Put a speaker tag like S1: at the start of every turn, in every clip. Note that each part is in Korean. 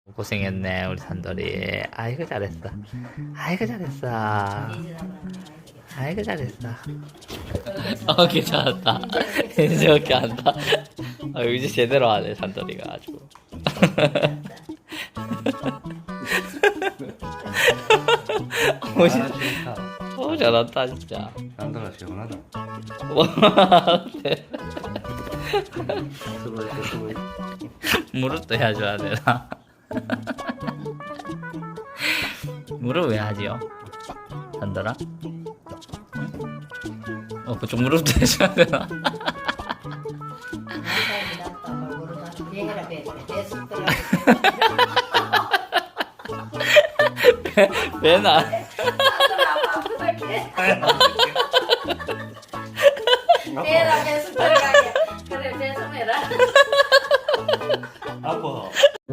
S1: 고생했네 우리 산돌이. 아이고 잘했어. 아이고 잘했어. 아이고 잘했어. 괜찮았다. 이제 오케이 한다. 이제 제대로 하네 산돌이가 아주. 잘한다 진짜.
S2: 산돌아 시원하다. 수고했어.
S1: 무릎도 해줘야 되나? 무릎 왜 하지요? 산돌아? 그쪽 무릎도 해줘야 되나? 맨날
S3: 배라 배수 들어가게. 그래 배송해라.
S2: 아파.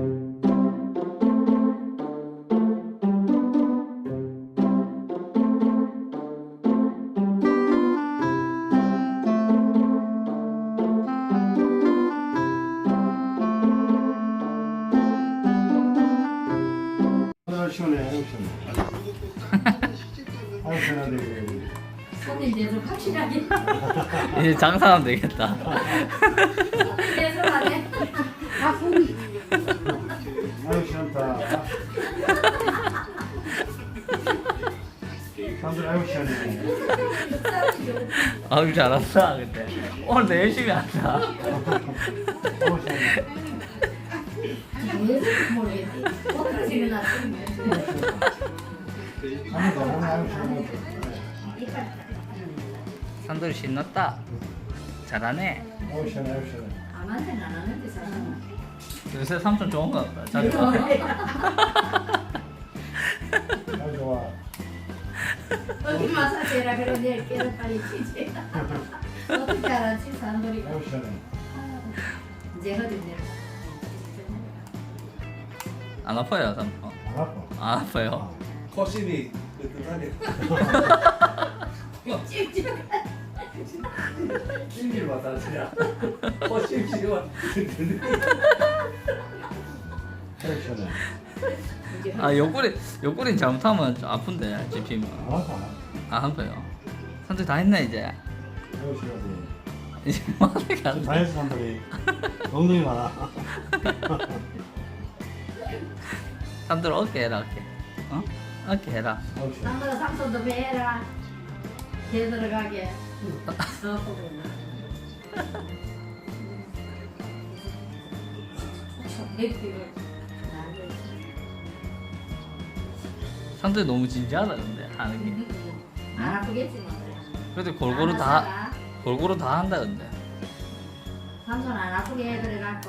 S2: 시원해. 아유 시원하네.
S3: 손이 이제 확실하게.
S1: 이제 장사하면 되겠다.
S3: 손이 배송하네. 아 손이.
S2: 아유 시원하다. 산돌 아유 시원해.
S1: 아유 잘한다 근데 오늘 내 열심히 한다.
S2: 아유 시원해.
S3: 왜 모르겠지. 어떻게 일어났지?
S2: 아유 너무 아유 시원해.
S1: 산돌이 신났다. 잘하네.
S2: 아유 시원해 아유 시원해.
S3: 안 하는 안 하는데 사람.
S1: 요새 삼촌 좋은 거 같다. 잘
S2: 아유 좋아.
S3: 어디 마사지라 그래 내일 깨를 빨리 치지. 어떻게 알았지 사람들이.
S2: 아유 시원해.
S3: 이제 어디 내려.
S1: 안 아파요 삼촌?
S2: 안 아파.
S1: 안 아파요?
S4: 코심이 뜨뜻하네.
S3: 찝찝.
S4: 찜질 마사지야. 코심 지금
S2: 아유 시원해.
S1: 옆구리 잘못하면 좀 아픈데 집히면.
S2: 안 아파.
S1: 안 아파요. 산돌이 다 했네 이제.
S2: 아유 시원해.
S1: 이제 뭐하게 안 돼.
S2: 다이어트 산돌이 엉덩이 많아.
S1: 산돌 어깨 해라 어깨. 어? 어깨 해라.
S2: 아유 시원해.
S3: 남들 삼촌도 배라. 배 들어가게.
S1: 산돌이 너무 진지하다 근데 하는 게.
S3: 안 아프겠지만.
S1: 그래도 골고루 다 한다 근데.
S3: 삼촌 안 아프게 해드려갖고.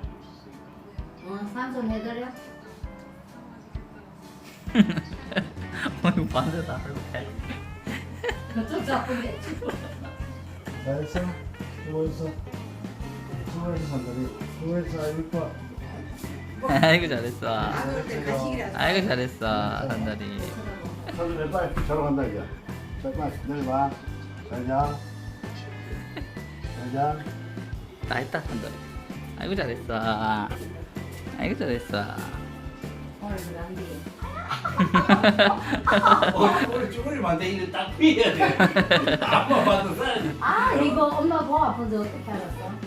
S3: 삼촌 해드려.
S1: 이거 반대다 이렇게.
S3: 그쪽 아프게.
S2: 잘했어. 수고했어. 수고했어 산돌이. 수고했어. 아유 이뻐.
S1: 아이고 잘했어. 아이고 잘했어 산돌이.
S2: 산돌이 빨리 자러 간다 이제. 빨리 내일 봐. 잘 자. 잘 자.
S1: 다 했다 산돌이. 아이고 잘했어. 아이고 잘했어.
S3: 오늘 그런데.
S4: 우리 쭈그리 만데 이거 딱 피해야 돼. 아빠 봐도 사야지.
S3: 아 이거 엄마 뭐 아픈지 어떻게 알았어?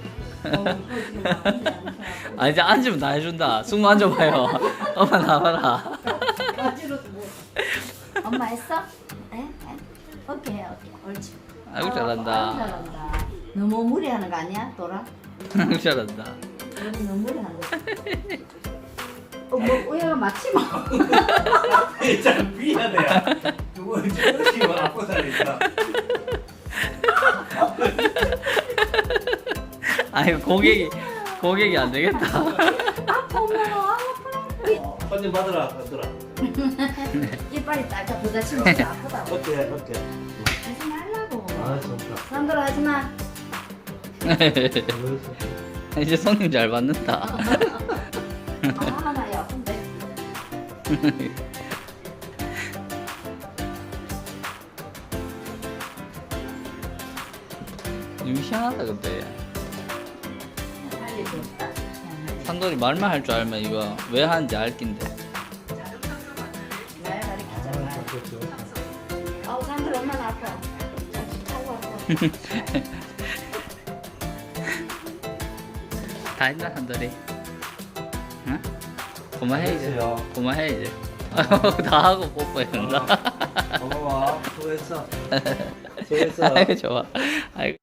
S1: 아 이제 앉으면 다 해준다. 숙모 앉아봐요. 엄마 나와라.
S3: 어지러워. 엄마 했어? 에? 오케이 오케이 옳지.
S1: 아이고 잘한다.
S3: 아이고, 잘한다. 너무 무리하는 거 아니야, 도라?
S1: 아이고 잘한다.
S3: 너무 무리하는 거. 뭐 우야가 맞지 뭐.
S4: 참 피해야. 누구 쭈그리 아빠 살니까.
S1: 아이고 고객이 안 되겠다.
S3: 아파 엄마
S4: 손님 받으라 받으라.
S3: 이빨이 딱딱 부딪히면 진짜 아프다고.
S4: 어때?
S3: 하지 말라고.
S2: 아 진짜.
S3: 남들 하지 마.
S1: 이제 손님 잘 받는다.
S3: 아, 나 아픈데.
S1: 좀 희한하다 근데.
S3: 빨리 줬다.
S1: 산도 한돌이 말만 할 줄 알면 이거 왜 하는지 알 낀데.
S3: 날 가르치잖아.
S2: 그렇죠.
S3: 아우 산들 얼마나 아파. 아우 아파.
S1: 다 했나 한돌이? 응? 그만해 이제.
S4: 됐어요.
S1: 그만해 이제. 다 하고 뽀뽀해 준다.
S4: 고마워. 수고했어. 수고했어.
S1: 아이고 좋아. 아이고.